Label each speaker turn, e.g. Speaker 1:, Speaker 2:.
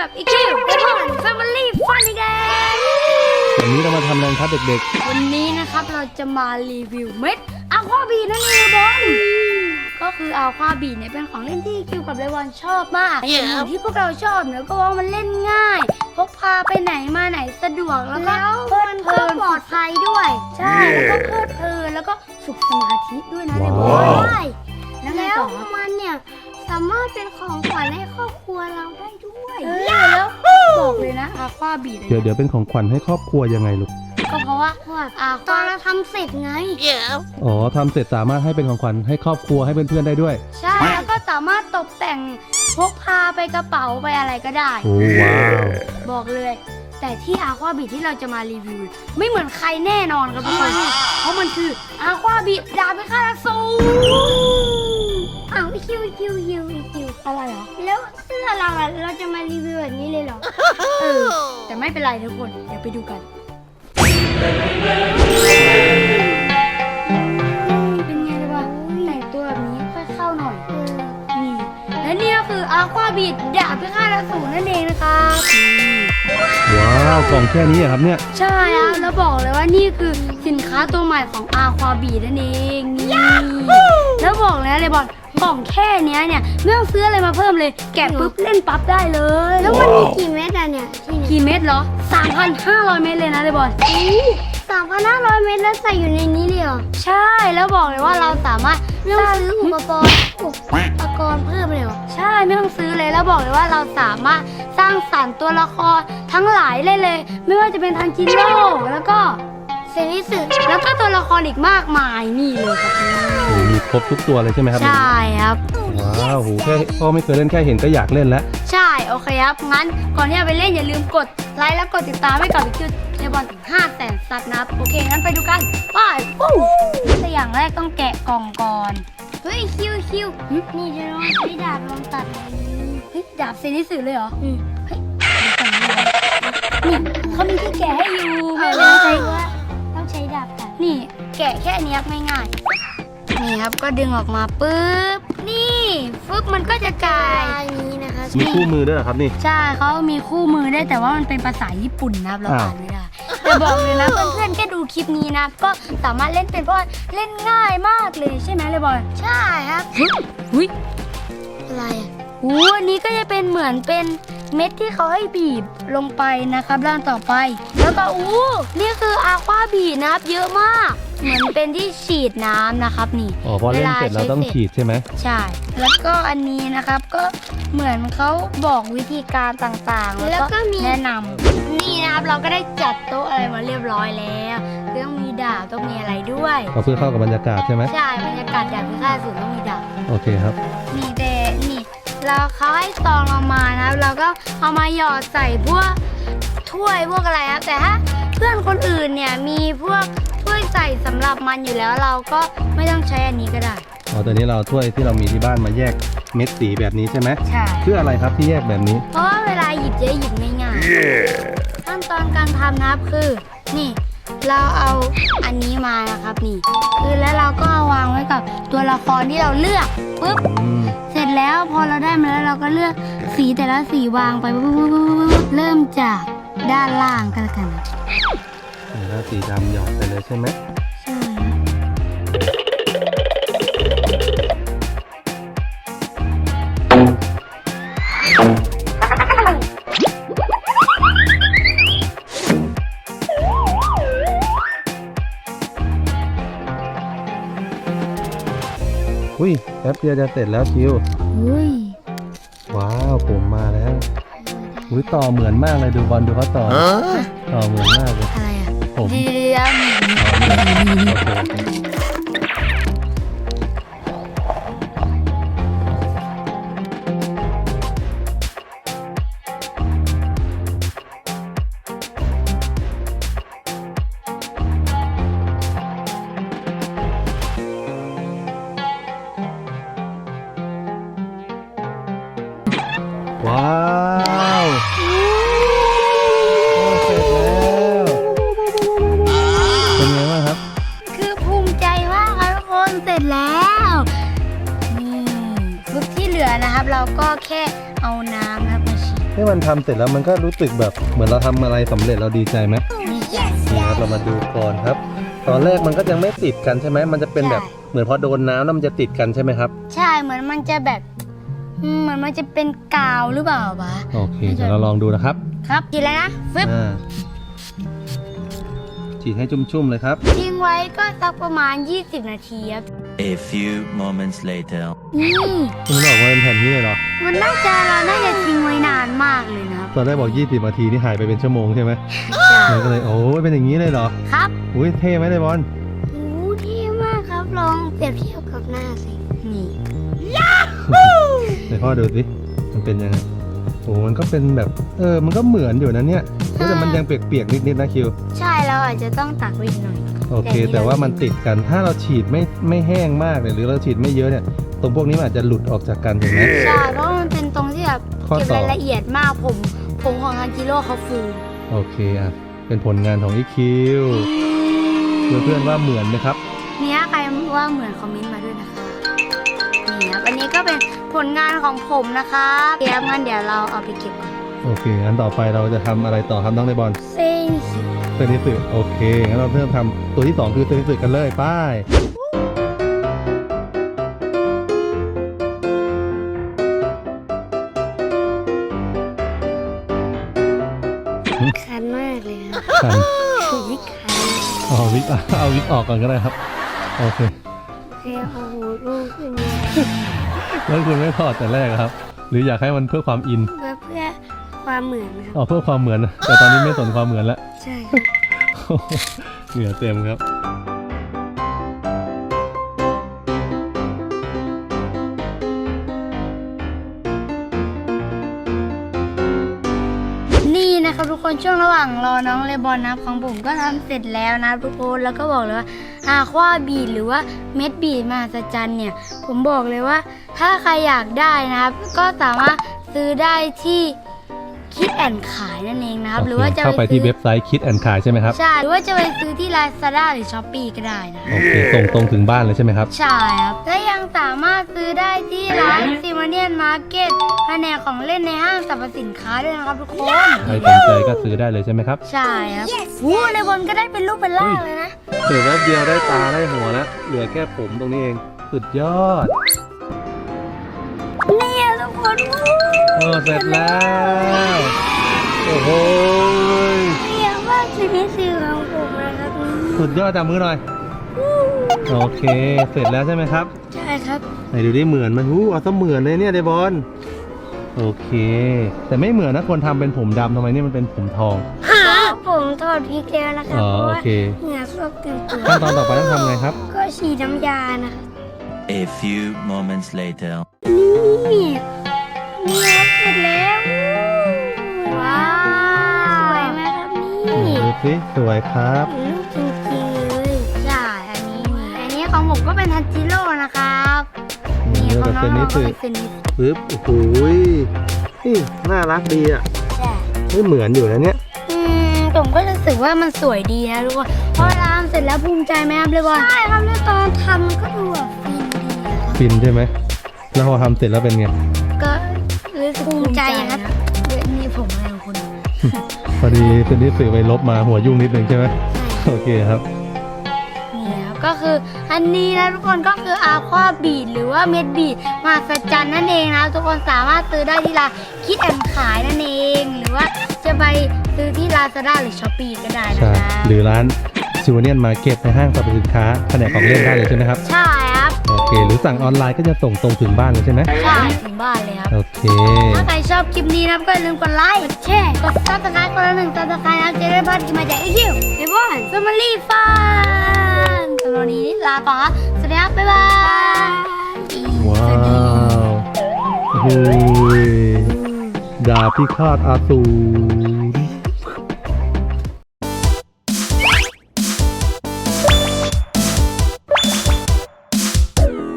Speaker 1: กับอีคิวเดมอนแฟมิลี่ฟันอีกแล้ว
Speaker 2: วันนี้เรามาทำอะไรครับเด็ก
Speaker 1: ๆวันนี้นะครับเราจะมารีวิวเม็ดอะควาบีนั่นเองบอลก็คืออะควาบีเนี่ยเป็นของเล่นที่คิวกับเลวอนชอบมากอย่างที่พวกเราชอบเนี่ยก็ว่ามันเล่นง่ายพกพาไปไหนมาไหนสะดวกแล้วก็มันก็ปลอดภัยด้วยใช่แล้วก็เพลิดเพลินแล้วก็ฝึกสมาธิด้วยนะเลวอนใช่แล้วมันเนี่ยสามารถเป็นของขวัญให้ครอบครัวเราได้ด้วยแล้วบอกเลยนะอะควาบี
Speaker 2: เดี๋ยวเป็นของขวัญให้ครอบครัวยังไงลูก
Speaker 1: ก็เพราะว่าตอนเราทำเสร็จไง
Speaker 2: อ๋อทำเสร็จสามารถให้เป็นของขวัญให้ครอบครัวให้เพื่อนๆได้ด้วย
Speaker 1: ใช่แล้วก็สามารถตกแต่งพกพาไปกระเป๋าไปอะไรก็ได้
Speaker 2: โอ้ว้าว
Speaker 1: บอกเลยแต่ที่อะควาบีที่เราจะมารีวิวไม่เหมือนใครแน่นอนครับทุกคนเพราะมันคืออะควาบีดาบพิฆาตอสูรคิวอะไรเหรอแล้วเสื้อเราจะมารีวิวแบบนี้เลยเหรอแต่ไม่เป็นไรทุกคนเดี๋ยวไปดูกันเป็นไงล่ะวะแต่งตัวแบบนี้ค่อยเข้าหน่อยนี่และนี่ก็คืออะควาบีดาบพิฆาตอสูรนั่นเองนะครับ
Speaker 2: ว้าวกล่องแค่นี้ครับเนี่ย
Speaker 1: ใช่ครับแล้วบอกเลยว่านี่คือสินค้าตัวใหม่ของอะควาบีนั่นเองนี่แล้วบอกเลยนะเลยบอลกล่องแค่นี้เนี่ยไม่ต้องซื้ออะไรมาเพิ่มเลยแกะปุ๊บเล่นปั๊บได้เลยแล้วมันมีกี่เม็ดอะเนี่ยกี่เม็ดเหรอ 3,500 เม็ดเลยนะเลยบอล3,500 เม็ดแล้วใส่อยู่ในนี้เลยเหรอใช่แล้วบอกเลยว่าเราสามารถซื้ออุปกรณ์เพิ่มเลยเหรอใช่ไม่ต้องซื้อเลยแล้วบอกเลยว่าเราสามารถสร้างสรรค์ตัวละครทั้งหลายเลยไม่ว่าจะเป็นทันจิโร่แล้วก็เซนิสึแล้วก็ตัวละครอีกมากมายนี่เลยครับ
Speaker 2: มีครบทุกตัวเลยใช่ไหมครับ
Speaker 1: ใช่ครับ
Speaker 2: ว้าวโหแค่พ่อไม่เคยเล่นแค่เห็นก็อยากเล่นแล้ว
Speaker 1: ใช่โอเคครับงั้นก่อนที่จะไปเล่นอย่าลืมกดไลค์และกดติดตามให้กับวิคิวเทบอลถึง500,000 ซับนะครับโอเคงั้นไปดูกันไปแต่อย่างแรกต้องแกะกล่องก่อนเฮ้ยคิวนี่จะลองใช้ดาบลองตัดเฮ้ยดาบเซนิสึเลยเหรอเฮ้ยนี่เขามีที่แกะให้อยู่ไม่ต้องใช้ดาบตัดนี่แกะแค่นี้ง่ายๆนี่ครับก็ดึงออกมาปุ๊บนี่ฟึบมันก็จะกลายนี้นะคะ
Speaker 2: มีคู่มือด้วยเหรอครับนี่
Speaker 1: ใช่เขามีคู่มือได้แต่ว่ามันเป็นภาษาญี่ปุ่นนะครับเราอ่านไม่ได้แต่บอกเลยนะเพื่อนๆแค่ดูคลิปนี้นะก็สามารถเล่นเป็นเพราะเล่นง่ายมากเลยใช่ไหมเลยบอลใช่ครับหุ้ยอะไรอันนี้ก็จะเป็นเหมือนเป็นเม็ดที่เขาให้บีบลงไปนะครับด้านต่อไปแล้วก็นี่คืออะควาบีนะครับเยอะมากเหมือนเป็นที่ฉีดน้ำนะครับนี่
Speaker 2: อ๋อพอเล่นเสร็จเราต้องฉีดใช่ไหม
Speaker 1: ใช่แล้วก็อันนี้นะครับก็เหมือนเขาบอกวิธีการต่างๆแล้วก็แนะนำนี่นะครับเราก็ได้จัดโต๊ะอะไรมาเรียบร้อยแล้วต้องมีดาบต้องมีอะไรด้วย
Speaker 2: เพื่อเข้ากับบรรยากาศใช่ไหม
Speaker 1: ใช่บรรยากาศดาบพิฆาตอสูรต้องมีดาบ
Speaker 2: โอเคครับ
Speaker 1: นี่เราเขาให้ซองเรามานะเราก็เอามาหยอดใส่พวกถ้วยพวกอะไรครับแต่ถ้าเพื่อนคนอื่นเนี่ยมีพวกถ้วยใส่สำหรับมันอยู่แล้วเราก็ไม่ต้องใช้อันนี้ก็ได้
Speaker 2: อ๋อตอนนี้เราถ้วยที่เรามีที่บ้านมาแยกเม็ดสีแบบนี้ใช่ไหม
Speaker 1: ใช่
Speaker 2: เพื่ออะไรครับที่แยกแบบนี้
Speaker 1: เพราะว่าเวลาหยิบจะหยิบง่ายๆขั้นตอนการทำนะครับคือนี่เราเอาอันนี้มานะครับนี่คือแล้วเราก็เอาวางไว้กับตัวละครที่เราเลือกปุ๊บเสร็จแล้วพอเราได้มาแล้วเราก็เลือกสีแต่ละสีวางไปเริ่มจากด้านล่างกันแล้วกัน
Speaker 2: แล้วสีดำหยอดไปเลยใช่ไหม
Speaker 1: ใช่
Speaker 2: อุ้ยแป๊บเดียวจะเสร็จแล้วคิวว้าวผมมาแล้วอุ้ยต่อเหมือนมากเลยดูบอลดูเขาต่อเหมือนมากเลย
Speaker 1: อะไรอ่ะ
Speaker 2: ผมว้าวเสร็จแล้วเป็นไงบ้างครับ
Speaker 1: คือภูมิใจมากครับทุกคนเสร็จแล้วนี่ที่เหลือนะครับเราก็แค่เอาน้ำนะครับมาฉีด
Speaker 2: ที่มันทำเสร็จแล้วมันก็รู้สึกแบบเหมือนเราทำอะไรสำเร็จเราดีใจไหม
Speaker 1: ดีใจ
Speaker 2: นี่ครับเรามาดูก่อนครับ ตอนแรกมันก็ยังไม่ติดกันใช่ไหมมันจะเป็นแบบเหมือนพอโดนน้ำแล้วมันจะติดกันใช่ไหมครับ
Speaker 1: ใช่เหมือนมันจะแบบเหมือนมันจะเป็นกาวหรือเปล่าวะ
Speaker 2: โอเคเดี๋ยวเราลองดูนะครับ
Speaker 1: ครับกินแล้วนะฟึบ
Speaker 2: ฉีดให้ชุ่มๆเลยครับ
Speaker 1: ทิ้งไว้ก็สักประมาณ 20 นาทีครับ
Speaker 3: A few moments later.
Speaker 1: นี่
Speaker 2: มันออกมาเป็นแผ่นนี้เลยเหรอ
Speaker 1: มันน่าจะเราน่าจะทิ้งไว้นานมากเลยนะครับ
Speaker 2: ตอนแรกบอก20 นาทีนี่หายไปเป็นชั่วโมงใช่ไหมมันก็เลยโอ้ยเป็นอย่างนี้เลยเหรอ
Speaker 1: ครับ
Speaker 2: อุ้ยเท่ไหมเลยบอล
Speaker 1: โอ้เท่มากครับลองเปรียบเทียบกับหน้าสินี่
Speaker 2: เดี๋ยวพ่อดูสิมันเป็นยังไงโอ้มันก็เป็นแบบมันก็เหมือนอยู่นะเนี่ยแต่มันยังเปียกๆนิดๆนะคิว
Speaker 1: ใช่เราอาจจะต้องตักไว้อีกหน่อย
Speaker 2: โอเค แต่ว่ามันติดกันถ้าเราฉีดไม่แห้งมากเนี่ยหรือเราฉีดไม่เยอะเนี่ยตรงพวกนี้มันอาจจะหลุดออกจากกันถูกไหม
Speaker 1: ใช่เพราะมันเป็นตรงที่แบบ
Speaker 2: ข้อ
Speaker 1: เก็บ
Speaker 2: ต่อ
Speaker 1: รายละเอียดมากผมของฮันจิโร่เขาฟู
Speaker 2: โอเคอ่ะเป็นผลงานของอีคิวเพื่อนๆว่าเหมือนไหมครับ
Speaker 1: เนี่ยใครว่าเหมือนคอมเมนต์มาด้วยนะคะนี่ครับอันนี้ก็เป็นผลงานของผมนะคะเดี๋ยวงั้นเดี๋ยวเราเอาไปเก็บก่อน
Speaker 2: โอเคงั้นต่อไปเราจะทำอะไรต่อครับน้องในบอล
Speaker 1: เส้น
Speaker 2: เซนิสึโอเคงั้นเราเริ่มทำตัวที่ 2 คือเซนิสึกันเลยไป้าย
Speaker 1: คันมากเลยครับ
Speaker 2: คัน
Speaker 1: ถูกวิคัน
Speaker 2: เอาวิกออกก่อนก็ได้ครับโอเค
Speaker 1: โอเคโอ้โหลูกขึ้นเยอะ
Speaker 2: แล้วคุณไม่ถอดแต่แรกครับ หรืออยากให้มันเพื่อความอิน
Speaker 1: เพื่อความเหมือนครับ
Speaker 2: อ๋อเพื่อความเหมือนนะแต่ตอนนี้ไม่สนความเหมือนแล้ว
Speaker 1: ใช่ครับ
Speaker 2: เหงื่อเต็มครับ
Speaker 1: นี่นะครับทุกคนช่วงระหว่างรอน้องเลบอนนะครับของผมก็ทำเสร็จแล้วนะทุกคนแล้วก็บอกเลยว่าอาควาบีดหรือว่าเม็ดบีดมหัศจรรย์เนี่ยผมบอกเลยว่าถ้าใครอยากได้นะครับก็สามารถซื้อได้ที่คิดแอนขายนั่นเองนะครับหรือว่าจะ
Speaker 2: เข้าไปที่
Speaker 1: ซื้อ
Speaker 2: เว็บไซต์คิดแอนขายใช่ไหมครับ
Speaker 1: ใช่หรือว่าจะไปซื้อที่ Lazada หรือ Shopee ก็ได้นะ
Speaker 2: โอเคส่งตรงถึงบ้านเลยใช่ไหมครับ
Speaker 1: ใช่ครับและยังสามารถซื้อได้ที่ร้านซิมาเนียนมาร์เก็ตแผนกของเล่นในห้างสรรพสินค้าด้วยนะครับทุกคน
Speaker 2: ใครสนใจก็ซื้อได้เลยใช่ไหมครับ
Speaker 1: ใช่ครับวู้ในบนก็ได้เป็นรูปเป็นร่างเลยนะ
Speaker 2: เดี๋ยวแป๊บเดียวได้ตาได้หัวแล้วเหลือแค่ผมตรงนี้เองสุดยอด
Speaker 1: เนี่ยทุกคนวู้
Speaker 2: เสร็จแล้วโอ้โห
Speaker 1: เนี่ยว่าชีวิตสื่อของผมนะครับ
Speaker 2: สุดยอดจับมือหน่อยโอเคเสร็จแล้วใช่ไหมครับ
Speaker 1: ใช่ครับ
Speaker 2: ไหนดูได้เหมือนไหมเอาซะเหมือนเลยเนี่ยเดบอลโอเค แต่ไม่เหมือนนะคนทำเป็นผมดำทำไมเนี่ยมันเป็นผมทอง
Speaker 1: ผมถอดพริกแล้วนะครับ
Speaker 2: อ๋อ
Speaker 1: เพราะ
Speaker 2: โอ
Speaker 1: ว่า
Speaker 2: เค
Speaker 1: เหงื่อซกเต็มตัว
Speaker 2: ขั้นตอนต่อไปต้องทำไงครับ
Speaker 1: ก็ฉีดน้ำยานะ
Speaker 3: A few moments later.
Speaker 1: นี่นี่ครับเสร็จแล้วว้าวสวยไหมครับนี่
Speaker 2: ดูสิสวยครับ
Speaker 1: ลูกจริงๆเลยใช่อันนี้ของผมก็เป็นทันจิโร่นะครับนี่ของน้องๆก็เป็นเซนิส
Speaker 2: ปึ๊บโอ้โหนี่น่ารักดีอ่ะ
Speaker 1: ใช่
Speaker 2: ไม่เหมือนอยู่นะเนี่ย
Speaker 1: ผมก็รู้สึกว่ามันสวยดีนะทุกคนพอทำเสร็จแล้วภูมิใจไหมครับเลยบอลใช่ครับแล้วตอนทำก็ดูแบบฟินดีครับ
Speaker 2: ฟินใช่ไหมแล้วพอทำเสร็จแล้วเป็นไง
Speaker 1: ก็รู้สึกภูมิใจครับเดี๋ยวนี่ผมอะไรของคุณ
Speaker 2: พอดีเป็นที่สื่อไปลบมาหัวยุ่งนิดนึงใช่ไหมโอเคครับ
Speaker 1: นี่ครับก็คืออันนี้นะทุกคนก็คืออาควาบีดหรือว่าเม็ดบีดมหัศจรรย์นั่นเองนะทุกคนสามารถซื้อได้ที่ร้านคิดแอนขายนั่นเองหรือว่าจะไปซื้อที่ Lazada หรือ Shopee ก็ได้นะ
Speaker 2: ใช่
Speaker 1: ครับ
Speaker 2: หรือร้านซิวเนียนมาร์เก็ตในห้างสรรพสินค้าแผนกของเล่นได้เลยใช่ไหมครับ
Speaker 1: ใช่ครับ
Speaker 2: โอเค หรือสั่งออนไลน์ก็จะส่งตรงถึงบ้านเลยใช่ไหม
Speaker 1: ใช่ถึงบ้านเลยครับ
Speaker 2: โอเค
Speaker 1: ถ้าใครชอบคลิปนี้นะครับก็อย่าลืมกดไลค์ กดแชร์ กดซับสไครต์คนละ1ซับสไครต์นะครับจะได้พลาดคลิปใหม่จากไอคิวไอบอนแฟมิลี่ฟันสำหรับวันนี้ลาก่อนครับสวัสดีครับ บ๊ายบาย
Speaker 2: ว้าวโอ้โหดาบพิฆาตอาสูร